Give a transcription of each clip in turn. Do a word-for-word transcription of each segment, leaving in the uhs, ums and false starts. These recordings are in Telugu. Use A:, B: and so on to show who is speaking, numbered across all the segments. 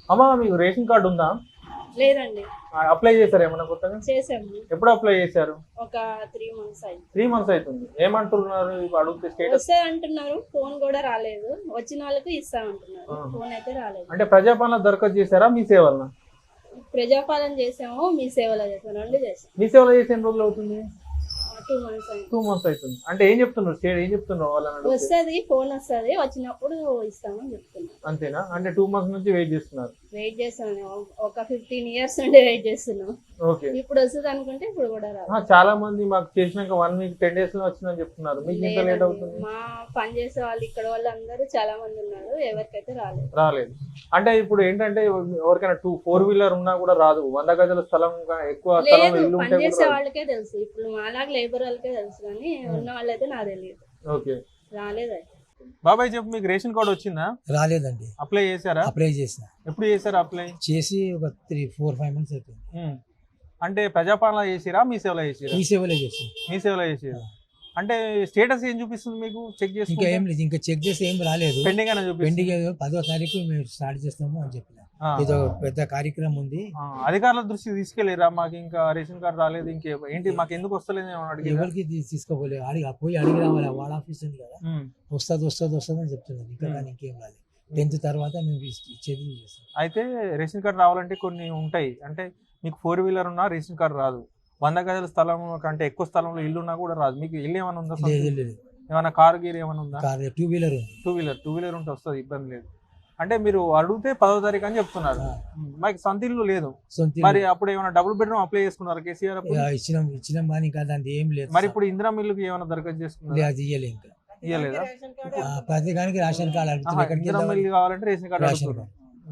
A: అమ్మా మీకు రేషన్ కార్డు ఉందా?
B: లేదండి.
A: అప్లై చేశారు ఏమన్నా కొత్తగా?
B: చేసాము.
A: ఎప్పుడు అప్లై చేశారు?
B: ఒక త్రీ మంత్స్ అయింది.
A: త్రీ మంత్స్ అవుతుంది. ఏమంటున్నారు అడిగితే? స్టేటస్
B: వస్తే అంటున్నారు, ఫోన్ కూడా రాలేదు. వచ్చిన వాళ్ళకి ఇస్తామంటున్నారు, ఫోన్ అయితే రాలేదు.
A: అంటే ప్రజాపాలన దరఖాస్తు చేశారా మీ సేవలన?
B: ప్రజాపాలన చేసాము, మీ సేవలో చేసాము, రెండు చేసాము.
A: మీ సేవలో చేసి ఎన్ని రోజులు అవుతుంది?
B: టూ మంత్స్ అయింది.
A: టూ మంత్స్ అవుతుంది. అంటే ఏం చెప్తున్నారు స్టేట్, ఏం చెప్తున్నారు వాళ్ళని?
B: వస్తుంది, ఫోన్ వస్తుంది, వచ్చినప్పుడు ఇస్తామని చెప్తున్నారు.
A: అంతేనా? అంటే టూ మంత్స్ నుంచి వెయిట్ చేస్తున్నారు?
B: వెయిట్ చేస్తున్నాను, ఒక ఫిఫ్టీన్ ఇయర్స్ నుండి వెయిట్ చేస్తున్నాం.
A: ఓకే.
B: ఇప్పుడు వస్తుంది అనుకుంటే ఇప్పుడు కూడా రాదు.
A: చాలా మంది మాకు చేసినాక వన్ వీక్ టెన్ డేస్ లో వచ్చిందని చెప్తున్నారు. మీకు ఎంత లేట్ అవుతుంది?
B: మా పని చేసే వాళ్ళు ఇక్కడ వాళ్ళు అందరూ చాలా మంది ఉన్నారు, ఎవరికైతే రాలేదు.
A: రాలేదు. అంటే ఇప్పుడు ఏంటంటే ఎవరికైనా టూ ఫోర్ వీలర్ ఉన్నా కూడా రాదు. వంద గజాల స్థలం ఎక్కువ స్థలం ఇల్లు ఉంటే
B: పని చేసే వాళ్ళకే తెలుసు. ఇప్పుడు మాలాగా లేబర్ వాళ్ళకే తెలుసు, కానీ ఉన్న వాళ్ళైతే నాకు తెలియదు.
A: ఓకే.
B: రాలేదు.
A: బాబాయ్ చెప్పు, మీకు రేషన్ కార్డు వచ్చిందా?
C: రాలేదండి.
A: అప్లై చేశారా?
C: అప్లై చేసిన.
A: ఎప్పుడు చేశారు అప్లై?
C: చేసి ఒక త్రీ ఫోర్ ఫైవ్ మంత్స్ అయిపోయింది.
A: అంటే ప్రజాపాలన చేసిరా మీ సేవలో చేసిరా?
C: మీ సేవలో చేసి.
A: మీ సేవలో చేసిరా? అంటే స్టేటస్ ఏం చూపిస్తుంది మీకు? చెక్ చేసి
C: ఇంకా ఏం లేదు, ఇంకా చెక్ చేసి ఏం రాలేదు.
A: పెండింగ్ అని చూపిస్తుంది.
C: పెండింగ్ పదో తారీఖు మేము స్టార్ట్ చేస్తాము అని చెప్పిన. ఏదో పెద్ద కార్యక్రమం ఉంది.
A: అధికారుల దృష్టికి తీసుకెళ్ళిరా? మాకు ఇంకా రేషన్ కార్డు రాలేదు, ఇంకే ఏంటి మాకు ఎందుకు వస్తలేదు అడిగి?
C: ఎవరికి తీసుకోపోలేదు. అడిగి పోయి అడిగి రావాలి, వాడ ఆఫీస్ ఉంది కదా, వస్తుంది వస్తుంది వస్తుంది అని చెప్తున్నారు. ఇంకా కానీ ఇంకేం రాలేదు. టెన్త్ తర్వాత మేము ఇచ్చేది చేస్తాం.
A: అయితే రేషన్ కార్డు రావాలంటే కొన్ని ఉంటాయి. అంటే మీకు ఫోర్ వీలర్ ఉన్నా రేషన్ కార్డు రాదు. వంద గజాల స్థలం కంటే ఎక్కువ స్థలంలో ఇల్లు ఉన్నా కూడా రాదు. మీకు ఇల్లు ఏమైనా ఉందా? ఏమైనా కారు గీరు ఏమైనా ఉందా?
C: టూ వీలర్ ఉంది.
A: టూ వీలర్ టూ వీలర్ ఉంటే వస్తుంది, ఇబ్బంది లేదు. అంటే మీరు అడిగితే పదో తారీఖు అని చెప్తున్నారు. మాకు సొంత ఇల్లు లేదు. మరి అప్పుడు ఏమైనా డబుల్ బెడ్రూమ్ అప్లై చేసుకున్నారు కేసీఆర్?
C: ఇచ్చినాం ఇచ్చినాం కానీ ఇంకా దాని ఏం లేదు.
A: మరి ఇప్పుడు ఇందిరా మిల్లుకి ఏమైనా దరఖాస్తు చేసుకున్నారు?
C: అది ఇయ్యలేదు ఇంకా.
A: ఇయ్యలేదా?
C: ప్రతి దానికి రేషన్ కార్డు అడుగుతున్నారు.
A: ఇందిరా మిల్లు కావాలంటే రేషన్ కార్డు అడుగుతున్నారు.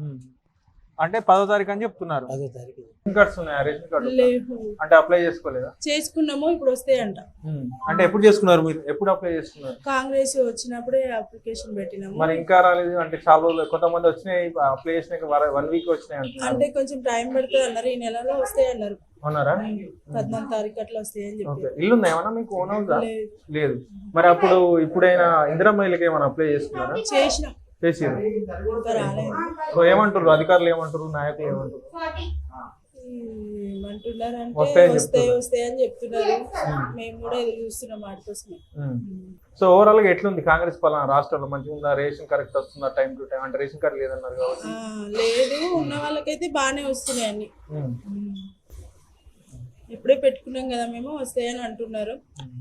A: అంటే పదో తారీఖు అని చెప్తున్నారు.
C: పదో తారీఖు.
A: రేషన్ కార్డ్స్ ఉన్నాయా? రేషన్ కార్డు అంటే అప్లై చేసుకోలేదా?
D: చేసుకున్నాము, ఇప్పుడు వస్తాయంట.
A: అంటే ఎప్పుడు చేసుకున్నారు మీరు? ఎప్పుడు అప్లై చేసుకున్నారు?
D: కాంగ్రెస్ వచ్చినప్పుడే అప్లికేషన్ పెట్టినాము.
A: మరి ఇంకా రాలేదు అంటే చాలా రోజులు. కొంతమంది వచ్చినాయి అప్లై చేసినాక వన్ వీక్ వచ్చినాయి
D: అంటే కొంచెం టైం పడుతుంది అన్నారు. ఈ నెలలో వస్తాయి అన్నారు.
A: అవునారా?
D: పద్నాలుగు తారీఖు అట్లా వస్తాయని చెప్పి.
A: ఇల్లు ఉందా ఏమన్నా మీకు? ఓన్ హౌస్ లేదు. మరి అప్పుడు ఇప్పుడైనా ఇందిరా మహిళకి ఏమైనా అప్లై చేసుకున్నారా?
D: చేసినాం.
A: చేసిరు. సో ఏమంటారు అధికారులు, ఏమంటారు నాయకులు, ఏమంటారు?
D: ఏమంటున్నారు అంటే వస్తాయి వస్తాయి అని చెప్తున్నారు. మేము కూడా ఎదురు చూస్తున్నాం వాటి కోసమే.
A: సో ఓవరాల్ గా ఎట్లుంది కాంగ్రెస్ పాలన రాష్ట్రంలో? మంచిగా ఉందా? రేషన్ కరెక్ట్ వస్తుందా టైం టు టైం? అంటే రేషన్ కార్డు లేదన్నారు కాబట్టి.
D: లేదు, ఉన్న వాళ్ళకైతే బాగానే వస్తున్నాయి అన్ని. ఇప్పుడే పెట్టుకున్నాం కదా మేము, వస్తాయని అంటున్నారు.